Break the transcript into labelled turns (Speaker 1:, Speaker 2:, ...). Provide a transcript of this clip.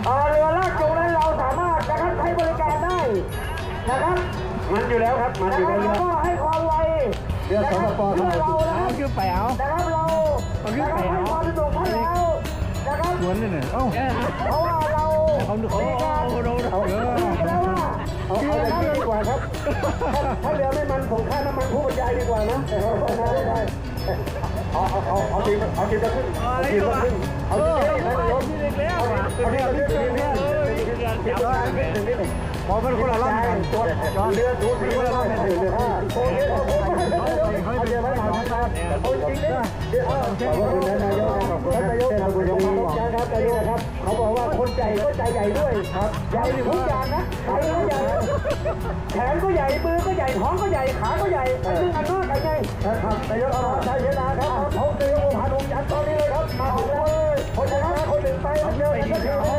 Speaker 1: เรือลากจูงนั้นเราสามารถนะครับใช้บริการได้นะครับมันอยู่แล้วครับมันอยู่แล้วก็ให้ความไวเรือสปปเพื่อเรานะครับคือไปเอานะครับเราให้ความสะดวกให้แล้วนะครับสวนนี่เนี่ยเพราะว่าเราในการเอาดีกว่าครับถ้าเรือไม่มันผมค่าน้ำมันผู้บรรยายดีกว่านะได้เอาทีละครึ่งเอาพอเป็นคนละรอบกันเรือถูกเป็นคนละรอบกันเอาเดี๋ยวไม่ทำนะครับเอาจริงนะนายกครับเขาบอกว่าคนใจก็ใจใหญ่ด้วยครับใหญ่ทุกอย่างนะใครก็ใหญ่แขนก็ใหญ่มือก็ใหญ่ท้องก็ใหญ่ขาก็ใหญ่ซึ่งอันนู้นกันไงครับนายกใช้เวลาครับเขาเตรียมผ่านองค์ยันตอนนี้เลยครับมาเลยคนชนะคนหนึ่งไปเยอะ